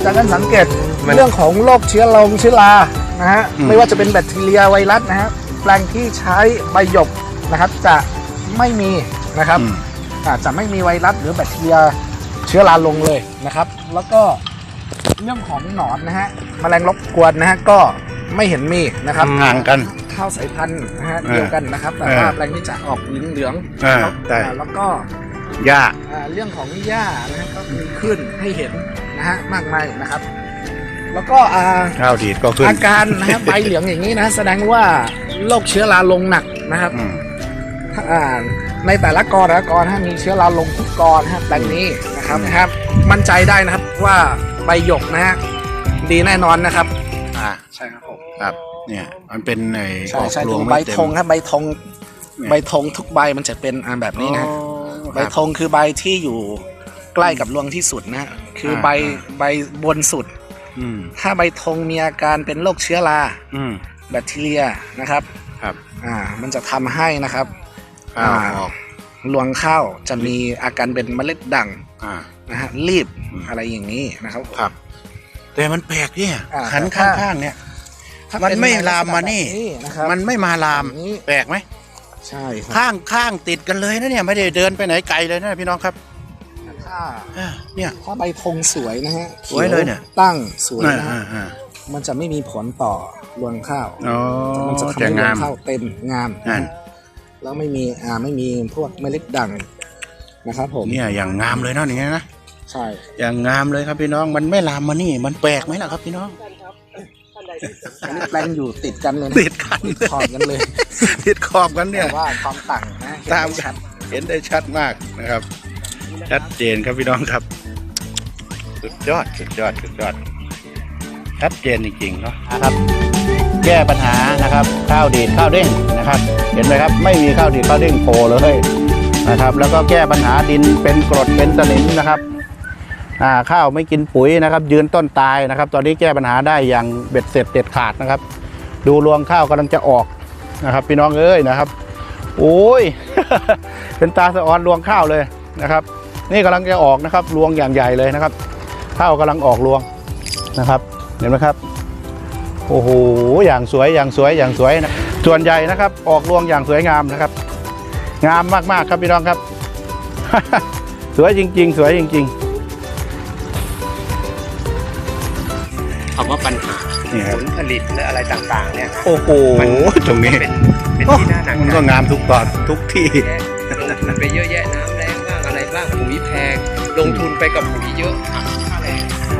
จากการสังเกตเรื่องของโรคเชื้อรานะฮะไม่ว่าจะเป็นแบคทีเรียไวรัสนะฮะแปลงที่ใช้ใบหยกนะครับจะไม่มีนะครับจะไม่มีไวรัสหรือแบคทีเรียเชื้อราลงเลยนะครับแล้วก็เรื่องของหนอนนะฮะแมลงรบกวนนะฮะก็ไม่เห็นมีนะครับห่างกันข้าวสายพันธุ์นะฮะเดียวกันนะครับแต่ว่าแปลงนี้จะออกเหลืองแล้วก็หญ้าเรื่องของหญ้านะฮะก็มีขึ้นให้เห็นนะฮะมากมายนะครับแล้วก็ข้าวดีดก็ขึ้นอาการนะฮะใบเหลืองอย่างนี้นะแสดงว่าโรคเชื้อราลงหนักนะครับในแต่ละกอมีเชื้อราลงทุกกอนะครับแปลงนี้นะครับมั่นใจได้นะครับว่าใบหยกนะฮะดีแน่นอนนะครับใช่ครับผมครับเนี่ยมันเป็นในออกรวงใบธงครับใบธงทุกใบมันจะเป็นแบบนี้นะใบธงคือใบที่อยู่ใกล้กับรวงที่สุดนะคือใบบนสุดถ้าใบธงมีอาการเป็นโรคเชื้อราแบคทีเรียนะครับมันจะทำให้นะครับรวงข้าวจะมีอาการเป็นเมล็ดด่างนะฮะรีบอะไรอย่างนี้นะครับแต่มันแปลกเนี่ยขันข้างๆเนี่ยมันไม่ลามมานี่มันไม่มาลามแปลกไหมใช่ข้างติดกันเลยนะเนี่ยไม่ได้เดินไปไหนไกลเลยนะพี่น้องครับเนี่ยถ้าใบธงสวยนะฮะสวยเลยเนี่ยตั้งสวยนะมันจะไม่มีผลต่อรวงข้าวมันจะทำให้รวงข้าวเต็มงามแล้วไม่มีพวกเมล็ดด่างนะครับผมเนี่ยอย่างงามเลยเนาะอย่างเงี้ยนะใช่อย่างงามเลยครับพี่น้องมันไม่ลามมานี่มันแปลกไหมล่ะครับพี่น้องอันนี้แปลงอยู่ติดกันเลยติดกันขอบกันเลยติดขอบกันเนี่ยว่าความต่างนะตามชัดเห็นได้ชัดมากนะครับชัดเจนครับพี่น้องครับสุดยอดชัดเจนจริงๆเนาะครับแก้ปัญหานะครับข้าวดีดข้าวเด้งนะครับเห็นไหมครับไม่มีข้าวดีดข้าวเด้งโผล่เลยนะครับแล้วก็แก้ปัญหาดินเป็นกรดเป็นสนิมนะครับข้าวไม่กินปุ๋ยนะครับยืนต้นตายนะครับตอนนี้แก้ปัญหาได้อย่างเบ็ดเสร็จเด็ดขาดนะครับดูรวงข้าวกำลังจะออกนะครับพี่น้องเอ้ยนะครับโอ้ย เป็นตาสะออนรวงข้าวเลยนะครับนี่กำลังจะออกนะครับรวงอย่างใหญ่เลยนะครับข้าวกำลังออกรวงนะครับเห็นไหมครับโอ้โหอย่างสวยนะส่วนใหญ่นะครับออกรวงอย่างสวยงามนะครับงามมากๆครับพี่น้องครับ สวยจริงๆคำว่าปัญหาผลผลิตและอะไรต่างๆเนี่ยโอ้โหตรงนี้เป็นที่น่าหนักมันก็งามทุกตอนทุกที่ลงทุนไปเยอะแยะน้ำแรงบ้างอะไรบ้างปุ๋ยแพงลงทุนไปกับปุ๋ยเยอะค่าแรง